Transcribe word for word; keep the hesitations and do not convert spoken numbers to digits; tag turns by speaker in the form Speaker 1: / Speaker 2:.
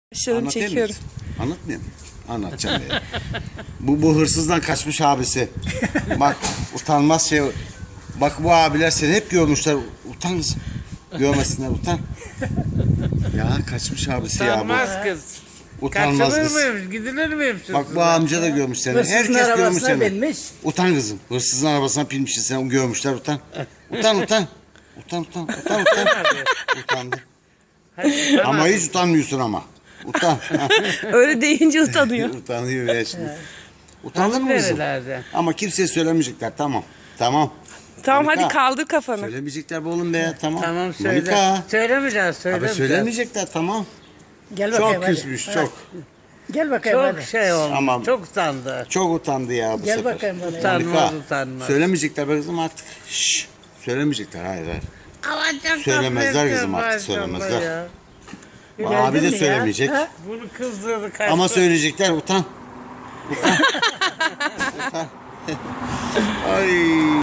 Speaker 1: Şöyle
Speaker 2: Anlatayım
Speaker 1: çekiyorum.
Speaker 2: mı? Anlatmayayım mı? Anlatacağım ya. bu, bu hırsızdan kaçmış abisi. Bak utanmaz şey. Bak bu abiler seni hep görmüşler. Utan kızım. Görmesinler utan. Ya kaçmış abisi ya bu.
Speaker 3: Utanmaz kız.
Speaker 2: Utanmaz
Speaker 3: Kaçılır
Speaker 2: kız.
Speaker 3: mıymış, gidilir miymiş?
Speaker 2: Bak bu amca da görmüş seni.
Speaker 4: Hırsızın
Speaker 2: Herkes görmüş
Speaker 4: arabasına
Speaker 2: seni.
Speaker 4: binmiş.
Speaker 2: Utan kızım. Hırsızın arabasına binmişsin sen. Görmüşler utan. Utan utan. Utan utan. Utan utan. Utandı. Ama hiç utanmıyorsun ama. Utan.
Speaker 1: Öyle deyince utanıyor.
Speaker 2: Utanıyor ya şimdi. Utandın mı kızım?
Speaker 3: Nerelerde?
Speaker 2: Ama kimseye söylemeyecekler. Tamam. Tamam.
Speaker 1: Tamam
Speaker 2: Monika,
Speaker 1: hadi kaldır kafanı.
Speaker 2: Söylemeyecekler be oğlum be ya. Tamam.
Speaker 3: Tamam söyle.
Speaker 2: Monika.
Speaker 3: Söylemeyeceğiz,
Speaker 2: Abi
Speaker 3: söylemeyeceğiz.
Speaker 2: söylemeyecekler tamam.
Speaker 4: Gel bakayım
Speaker 2: Çok
Speaker 4: hadi.
Speaker 2: küsmüş
Speaker 4: Hadi.
Speaker 2: çok.
Speaker 4: Gel bakayım
Speaker 3: Çok
Speaker 4: hadi.
Speaker 3: şey olmuş,
Speaker 2: Tamam.
Speaker 3: çok utandı.
Speaker 2: Çok utandı ya bu
Speaker 4: Gel
Speaker 2: sefer.
Speaker 4: bakayım bana.
Speaker 3: Utanmaz,
Speaker 2: Monika,
Speaker 3: utanmaz.
Speaker 2: Söylemeyecekler be kızım artık. Şşş. Söylemeyecekler hayır hayır.
Speaker 3: Alacağım
Speaker 2: Söylemezler
Speaker 3: tabletleri
Speaker 2: kızım artık,
Speaker 3: maşallah
Speaker 2: söylemezler.
Speaker 3: ya.
Speaker 2: Abi de
Speaker 4: mi ya?
Speaker 2: söylemeyecek.
Speaker 4: Ha?
Speaker 3: Bunu kızdırdı kaçtı.
Speaker 2: Ama söyleyecekler utan. Utan. Utan. Ay.